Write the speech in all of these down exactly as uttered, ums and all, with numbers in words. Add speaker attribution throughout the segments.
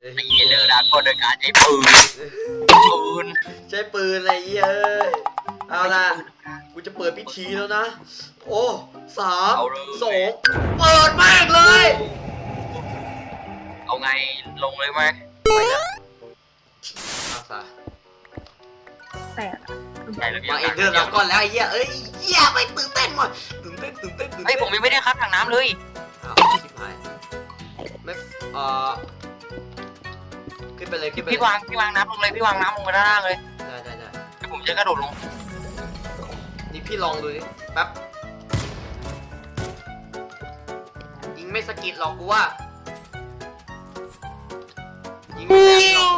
Speaker 1: ไอ้เหี้ยเลิกด่าคนโดยการใช้ปืนปืน
Speaker 2: ใช้ปืนอะไรเงี้ยเอ้ยเอาล่ะกูจะเปิดพิธีแล้วนะโอ้สามสองเปิดมากเลย
Speaker 1: เอาไงลงเลยไหม
Speaker 2: ไปละรักษา
Speaker 3: แต่
Speaker 1: ใช่แล้วพี่
Speaker 2: มาเอ็นเดอร์แล้วก่อนแล้วไอ้เหี้ยเอ้ยเหี้ยไปตื่นเต้นว่ะตื่นเต้นตื่นเต้นตื่นเต้น
Speaker 1: ไอ้ผมยังไม่ได้คัดทางน้ำเลย
Speaker 2: อ้าวชิบหายไม่เอ่อขึ้นไปเลยขึ้นไป
Speaker 1: พี่วางพี่วางน้ำลงเลยพี่วางน้ำลงไปด้านล่างเลย
Speaker 2: ได้ได้ได้
Speaker 1: เดี๋ยวผมจะกระโดดลง
Speaker 2: นี่พี่ลองดูดิแป๊บยิงไม่สะกิดหรอกกูว่ายิงไม่แรงหรอก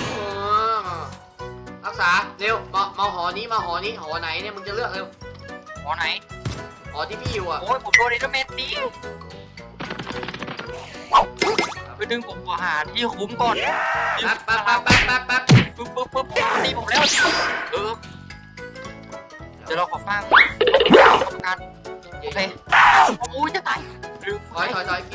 Speaker 2: รักษาเร็วมามาหอนี้มาหอนี้หอไหนเนี่ยมึงจะเลือกเร็ว
Speaker 1: หอไหน
Speaker 2: หอที่พี่อยู่อ่ะ
Speaker 1: โอ้ยผมโดนเอเดอร์เมนตีไปดึงผมหาที่คุ้มก่อน
Speaker 2: แป๊บแป๊บแป๊บแป๊บแป๊บแป๊บ
Speaker 1: ปึ๊บปึ๊บปึ๊บตีผมแล้วเออเดี๋ยวเราขอฟังประกันโอเคโอ้ยจะตายดึง
Speaker 2: ถอยถอยถอย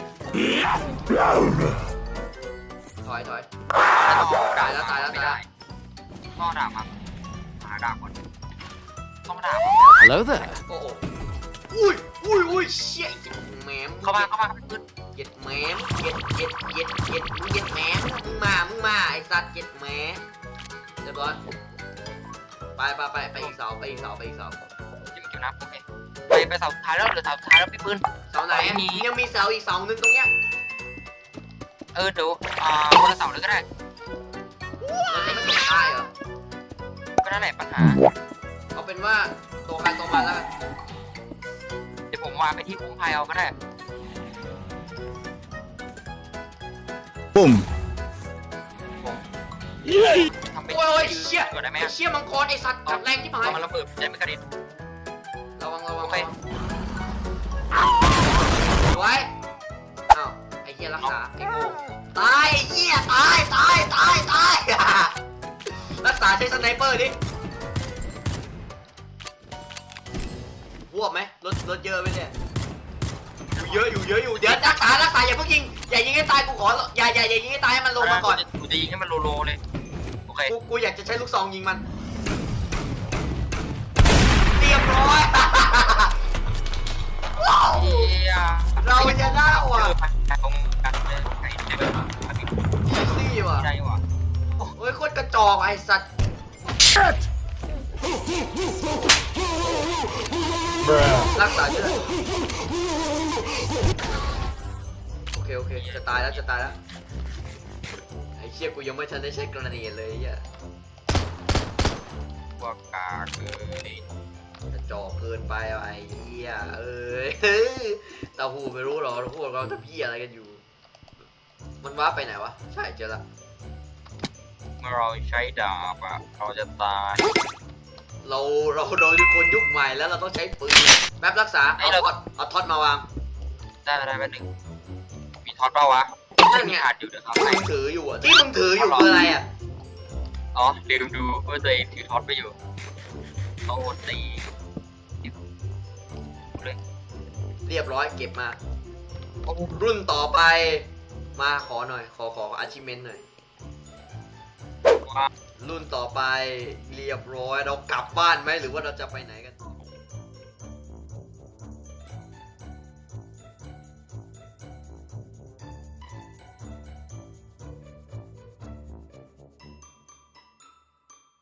Speaker 2: ถอยถอยตายแล้วตายแล้วตาย
Speaker 1: ก็ด่ามาหาด่าก่อนต้องมาด่า
Speaker 4: Hello there
Speaker 2: โอ้โหอุ้ยอุ้ยอุ้ยเชี่ยแหมม
Speaker 1: เข้ามาเข้ามาขึ้น
Speaker 2: เย็ดแหมมเย็ดเย็ดเย็ดเย็ดมึงเย็ดแหมมมึงมามึงมาไอ้สัตว์เย็ดแหมเรียบร้อยไปไปไปไปอีกเสาไปอีกเสาไปอีกเสา
Speaker 1: จิ้มจิ้มน้ำโอเคไปไปเสาสุดท้ายแล้วหรือเสาสุดท้ายแล้วพี่ปืน
Speaker 2: เสาไหนยังมีเสาอีกเสาหนึ่งตรงเนี้ย
Speaker 1: เออเดี๋ยวอ่าคนละเสาเลยก็ได้
Speaker 2: มันจะไม่ตกใต้เหรอ
Speaker 1: ก็นั่นแหละปัญหา
Speaker 2: เอาเป็นว่าตัวใครตัวมันแล้ว
Speaker 1: เดี๋ยวผมวางไปที่คุ้มภัยเอาก็ได้
Speaker 4: ปุ้ม
Speaker 2: ทำไปโอ้ยเชี่ยไอ้เชี่ยมังกรไอ้สัตว์จับแรงที่หาย
Speaker 1: มันระเบิดใจไม่กระดิ่ง
Speaker 2: ระวังระวัง
Speaker 1: ไป
Speaker 2: ไว้อ้าวไอ้เชี่ยรักษาไอ้โง่ตายไอ้เชี่ยตายตายตายตายรักษาใช้สไนเปอร์ดิบวกไหมรถรถเยอะไหมเนี่ยอยู่เยอะอยู่เยอะอยู่เดี๋ยวรักษารักษาอย่าเพิ่งยิงอย่ายิงให้ตายกูขออย่าอย่าอย่ายิงให้ตายให้มันลงมาก่อน
Speaker 1: กูจะยิงให้มันโลโลเลยโอเค
Speaker 2: กูกูอยากจะใช้ลูกซองยิงมันเรียบร้อยเราจะได้ว่ะ
Speaker 1: ตรงกันเลยไก่เด็ก
Speaker 2: อีซี่ว่ะ
Speaker 1: ใช่ว่ะ
Speaker 2: โอ้ยโคตรกระจอกไอ้สัตว์รักษาเยอะโอเคโอเคจะตายแล้วจะตายแล้วไอ้เชี่ยกูยังไม่ทันได้ใช้กระเนียเลยอ่ะ
Speaker 1: ว่ากาเกิน
Speaker 2: กระจอกเกินไปไอ้เหี้ยเอ้ยตาหูไม่รู้หรอพวกเราจะพี่อะไรกันอยู่มันว้าไปไหนวะใช่เจอละ
Speaker 1: เมื่อเราใช้ดาบอะเราจะตาย
Speaker 2: เราเราโดนคนยุคใหม่แล้วเราต้องใช้ปืนแป๊บรักษาเอาท็อตเอาท็อตมาวาง
Speaker 1: ได้ได้แป๊บนึงมีท็อตเปล่าวะนั่นมีอาจอยู่นะครับ
Speaker 2: มึงถืออยู่อ่ะที่มึงถืออยู่คืออะไรอ่ะ
Speaker 1: อ๋อเดี๋ยวดูดูว่าตัวเองถือท็อตไปอยู่เขาตีเลย
Speaker 2: เรียบร้อยเก็บมารุ่นต่อไปมาขอหน่อยขอขออาชิเมนหน่อยรุ่นต่อไปเรียบร้อยเรากลับบ้านไหมหรือว่าเราจะไปไหนกัน